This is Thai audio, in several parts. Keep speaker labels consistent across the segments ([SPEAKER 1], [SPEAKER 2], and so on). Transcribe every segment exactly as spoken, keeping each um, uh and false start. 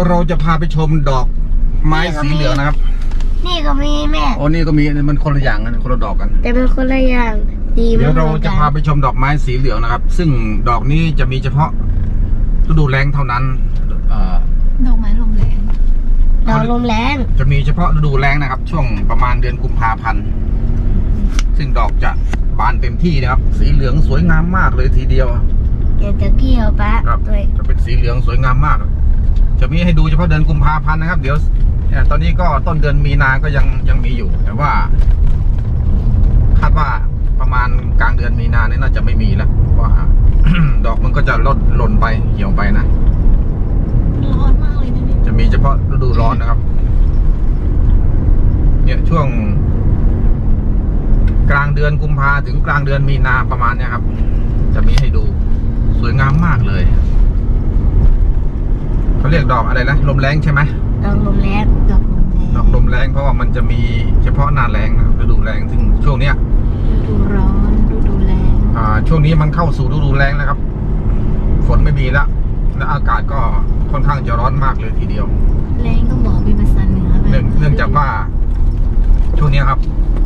[SPEAKER 1] ยวเราจะพาไปชมดอกไม้สีเหลืองนะครับ
[SPEAKER 2] นี่ก็มีแม่
[SPEAKER 1] โอ้นี่ก็มีมันคนละอย่างกันคนละดอกกัน
[SPEAKER 2] แต่เป็นคนละอย่างดีมาก
[SPEAKER 1] เดี๋ยวเราจะพาไปชมดอกไม้สีเหลืองนะครับ ซึ่งดอกนี้จะมีเฉพาะฤดูแล้งเท่านั้น
[SPEAKER 3] ดอกไม้ลมแรง
[SPEAKER 2] ดอกลมแรง
[SPEAKER 1] จะมีเฉพาะฤดูแล้งนะครับ ช่วงประมาณเดือนกุมภาพันธ์ซึ่งดอกจะบานเต็มที่นะครับสีเหลืองสวยงามมากเลยทีเดียว
[SPEAKER 2] เดี๋ยวจะเกี่ยวปะ
[SPEAKER 1] ครับจะเป็นสีเหลืองสวยงามมากจะมีให้ดูเฉพาะเดือนกุมภาพันธ์นะครับเดี๋ยวตอนนี้ก็ต้นเดือนมีนาก็ยังยังมีอยู่แต่ว่าคาดว่าประมาณกลางเดือนมีนาเนี่ยน่าจะไม่มีแล้วเพราะว่า ดอกมันก็จะลดหล่นไปเหี่ยวไปนะ
[SPEAKER 3] ร้อนมากเลยนะนี่
[SPEAKER 1] จะมีเฉพาะฤดูร้อนนะครับเนี่ยช่วงกลางเดือนกุมภาถึงกลางเดือนมีนาประมาณนี้ครับจะมีให้ดูสวยงามมากเลยเขาเรียกดอกอะไรนะลมแรงใช่ไหม
[SPEAKER 2] ดอกลมแรง
[SPEAKER 3] ดอกลมแรง
[SPEAKER 1] ดอกลมแรงเพราะว่ามันจะมีเฉพาะหน้าแรงนะฤดูแรงถึงช่วงเนี้ย
[SPEAKER 3] ฤดูร้อนฤดูแรง
[SPEAKER 1] อ่าช่วงนี้มันเข้าสู่ฤดูแรงแล้วครับฝนไม่มีแล้วและอากาศก็ค่อนข้างจะร้อนมากเลยทีเดียว
[SPEAKER 3] แรงก็บอกเป็นภาษาเหนือ
[SPEAKER 1] เนื่องเนื่องจากว่าช่วงนี้ครับ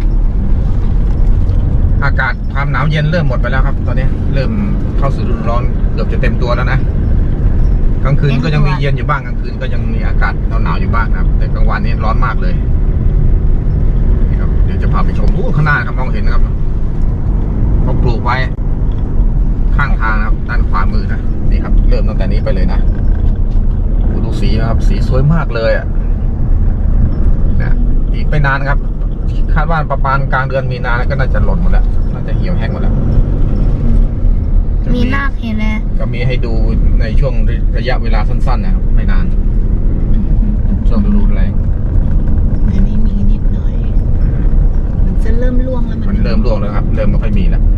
[SPEAKER 1] อากาศความหนาวเย็นเริ่มหมดไปแล้วครับ ตอนนี้เริ่มเข้าสู่ฤดูร้อนเกือบจะเต็มตัวแล้วนะกลางคืนก็ยังมีเย็นอยู่บ้างกลางคืนก็ยังมีอากาศหนาวๆอยู่บ้างนะครับแต่กลางวันนี้ร้อนมากเลยนี่ครับเดี๋ยวจะพาไปชมข้างหน้าครับมองเห็นนะครับเขาปลูกไว้ข้างทางครับด้านขวามือนะนี่ครับเริ่มตั้งแต่นี้ไปเลยนะดูสีนะครับสีสวยมากเลยอ่ะนะอีกไม่นานครับคาดว่าประมาณกลางเดือนมีนาก็น่าจะหล่นหมดแล้วน่าจะเหี่ยวแห้งหมดแล้ว
[SPEAKER 2] มีรากเห็นไหม
[SPEAKER 1] ก็มีให้ดูในช่วงระยะเวลาสั้นๆนะครับไม่นานช่วงฤดูแล้ง
[SPEAKER 3] อันนี้มีนิดหน่อยมันจะเริ่มร่วงแล้ว
[SPEAKER 1] มันเริ่มร่วงแล้วครับเริ่มไม่ค่อยมีแล้ว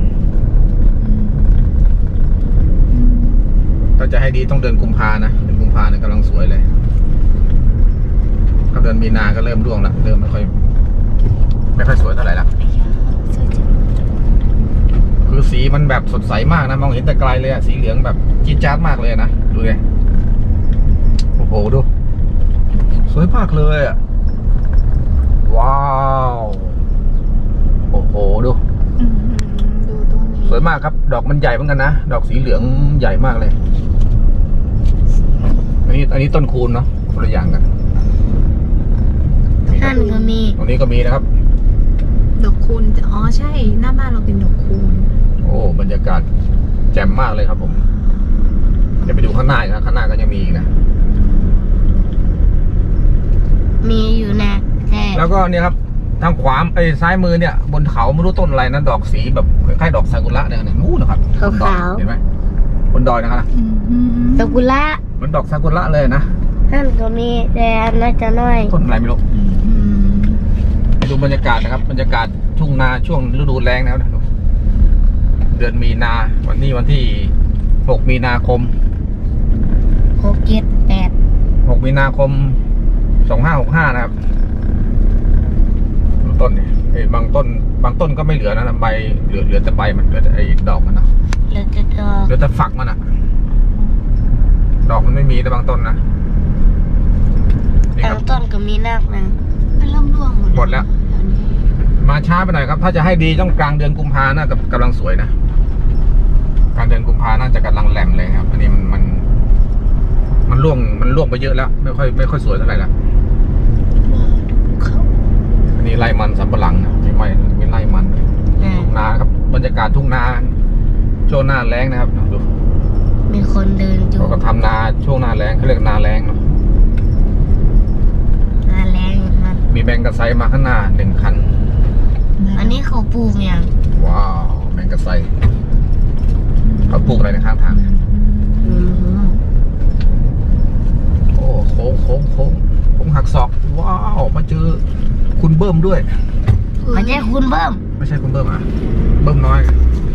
[SPEAKER 1] ถ้าจะให้ดีต้องเดือนกุมภานะเดือนกุมภาเนี่ยกำลังสวยเลยถ้าเดือนมีนาก็เริ่มร่วงแล้วเริ่มไม่ค่อยไม่ค่อยสวยเท่าไหร่ละคือสีมันแบบสดใสมากนะมองเห็นแต่ไกลเลยอะสีเหลืองแบบจี๊ดจ๊าดมากเลยนะดูเลยโอ้โหดูสวยมากเลยอะว้าวโอ้โหดู
[SPEAKER 3] ดูตัวนี้
[SPEAKER 1] สวยมากครับดอกมันใหญ่เหมือนกันนะดอกสีเหลืองใหญ่มากเลยอันนี้อันนี้ต้นคูณเนาะคนละอย่างกัน
[SPEAKER 2] ท่านก็มี
[SPEAKER 1] ตรงนี้ก็มีนะครับ
[SPEAKER 3] ดอกคูณอ๋อใช่หน้าบ้านเราเป็นดอกคูณ
[SPEAKER 1] โอ้บรรยากาศแจ่มมากเลยครับผมเดี๋ยวไปดูข้างหน้านะข้างหน้าก็ยังมีอีกนะ
[SPEAKER 2] มีอยู่นะแต่
[SPEAKER 1] แล้วก็เนี่ยครับทางขวาไอ้ซ้ายมือเนี่ยบนเขาไม่รู้ต้นอะไรนะดอกสีแบบคล้ายๆดอกซากุระเนี่ยนู้นนะครับ
[SPEAKER 2] ขาว
[SPEAKER 1] เห็นไหมบนดอยนะครับ
[SPEAKER 2] ซากุระ
[SPEAKER 1] เหมือนดอกซากุระเลยนะ
[SPEAKER 2] ท่านก็มีแต่น่าจะน้อย
[SPEAKER 1] ต้นอะไรไม่รู้ไปดูบรรยากาศนะครับบรรยากาศทุ่งนาช่วงฤดูแล้งแล้วนะเดือนมีนาวันนี้วันที่หกมีนาคม
[SPEAKER 2] หกเจ็ดแปด
[SPEAKER 1] หกมีนาคมสองห้าหกห้านะครับต้นนี่บางต้นบางต้นก็ไม่เหลือนะใบเหลือเหลือแต่ใบมันเหลือแต่ไอ้ดอกมันนะ
[SPEAKER 2] เหลือแต่ดอก
[SPEAKER 1] เหลือแต่ฝักมันอะดอกมันไม่มีแต่บางต้นนะ
[SPEAKER 2] บางต้นก็มีรากนะ
[SPEAKER 3] มันเริ่มร่วงหมด
[SPEAKER 1] หมดแล้วมาช้าไปหน่อยครับถ้าจะให้ดีต้องกลางเดือนกุมภาน่าจะกำลังสวยนะกลางเดือนกุมภาน่าจะกำลังแหลมเลยครับอันนี้มันมันมันร่วงมันร่วงไปเยอะแล้วไม่ค่อยไม่ค่อยสวยเท่าไหร่ละอันนี้ไร่มันสำปะหลังนะไม่ไม่ไม่ไร่มันทุ่งนาครับบรรยากาศทุ่งนาช่วงหน้าแล้งนะครับดู
[SPEAKER 2] มีคนเดินอยู่
[SPEAKER 1] เขาก็ทำนาช่วงหน้าแล้งเขาเรียกนาแล้งเนาะ
[SPEAKER 2] นาแล้งมัน
[SPEAKER 1] มีแมงกะไซมาข้างหน้าหนึ่งคัน
[SPEAKER 2] อันนี้เขาปลูกอย่าง
[SPEAKER 1] ว้าวแมงกะไซเขาปลูกอะไรในข้างทางโอ้โค้งโค้งโค้งโค้งหักศอกว้าวมาเจอคุณเบิ้มด้วย
[SPEAKER 2] ไม่ใช่คุณเบิ้ม
[SPEAKER 1] ไม่ใช่คุณเบิ้มอ่ะเบิ้มน้อย